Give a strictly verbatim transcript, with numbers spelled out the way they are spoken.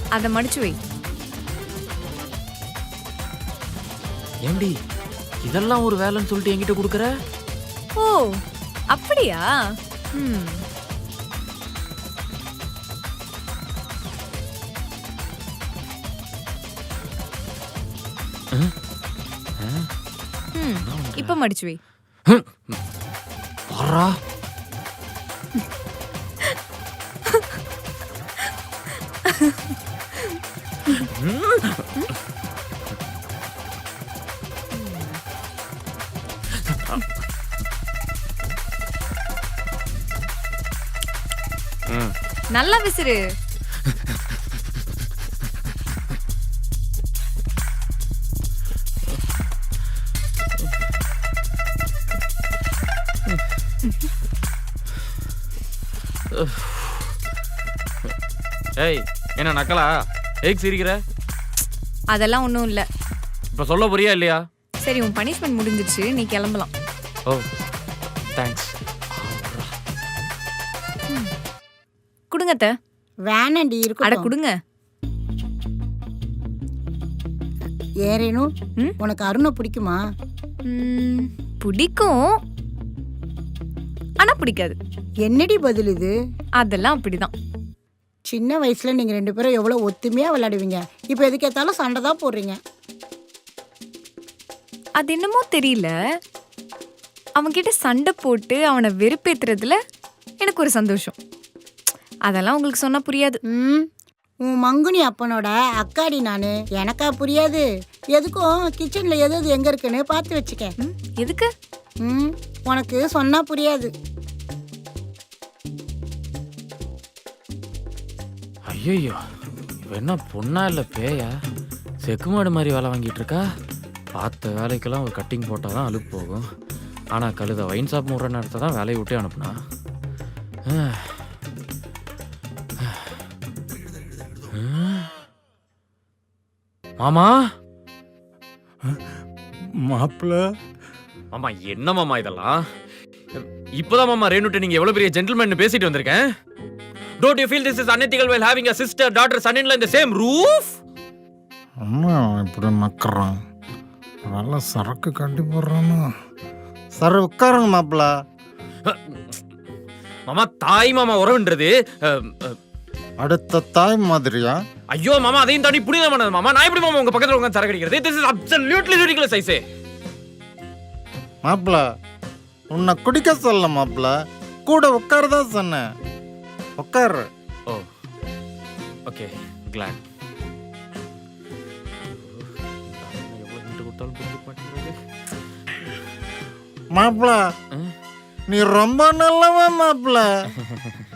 அதை மடிச்சு வை. ஏண்டி இதெல்லாம் ஒரு வேலைன்னு சொல்லிட்டு என்கிட்ட கொடுக்குற? ஓ அப்படியா? ம் இப்ப மடிச்சு வை. பாரா நல்லா விசிறு. ஏய் என்ன நக்கலா? ஏக் சிரிக்கிற? அதெல்லாம் ஒண்ணும் இல்ல. இப்ப சொல்ல புரியா இல்லையா? சரி உன் பனிஷ்மெண்ட் முடிஞ்சிருச்சு, நீ கிளம்பலாம். Oh thanks. குடுங்க அத்தை. வேணாண்டி அட இருக்கும். குடுங்க. ஏறேனு ம்? உனக்கு அருணை பிடிக்குமா? ம், பிடிக்கும், ஆனா பிடிக்காது. என்னடி பதில் இது? அதெல்லாம் அப்படிதான். சின்ன வயசுல நீங்க ரெண்டு பேரும் எவ்வளவு ஒத்துமையா விளையாடுவீங்க. இப்போ எதுக்கு ஏத்தாலும் சண்டை தான் போடுறீங்க. அது என்னமோ தெரியல, அவன்கிட்ட சண்டை போட்டு அவனை வெறுப்பேத்துறதுல எனக்கு ஒரு சந்தோஷம். அதெல்லாம் உங்களுக்கு சொன்னா புரியாது. ம் உன் மங்குனி அப்பனோட அக்காடி நானு, எனக்கா புரியாது? எதுக்கும் கிச்சன்ல எது எது எங்க இருக்குன்னு பார்த்து வச்சுக்க. ம், எதுக்கு? ம் உனக்கு சொன்னா புரியாது. ஐயோ இவ என்ன பொண்ணா இல்லை பேயா? செக்குமாடு மாதிரி வேலை வாங்கிட்டு இருக்கா. பார்த்த வேலைக்கெல்லாம் ஒரு கட்டிங் போட்டால் தான் அழுப்பு போகும். ஆனால் கழுத வைன் ஷாப் முடுற நேரத்தை தான் வேலையை விட்டே அனுப்புனா. மாமா மாப்பிள்ள மாமா என்ன மாமா இதெல்லாம்? இப்போதான் மாமா ரேணுட்ட நீங்க எவ்வளவு பெரிய ஜென்டில்மேன் பேசிட்டு வந்திருக்கேன். Don't you feel this is unethical while having a sister, daughter, son-in-law in the same roof? அம்மா இப்படி நக்கறான். நல்லா சரக்கு கட்டி போடுறானா? சரி உட்காருங்க மாப்பிள்ள. மாமா தாய் மாமா உறவுன்றது அடுத்த தாய் மாதிரியா? ஐயோ மாமா அதையும் தாண்டி புனிதமானது மாமா. நான் எப்படி மாமா உங்க பக்கத்துல உட்கார்ந்து சரக்கு அடிக்கிறது? This is absolutely ridiculous I say. மாப்பிள்ள உன்னை குடிக்க சொல்ல மாப்பிள்ள, கூட உட்காருதான் சொன்னேன். உட்காரு. Oh okay glad. மாப்பிள்ள நீ ரொம்ப நல்லவன் மாப்பிள்ள.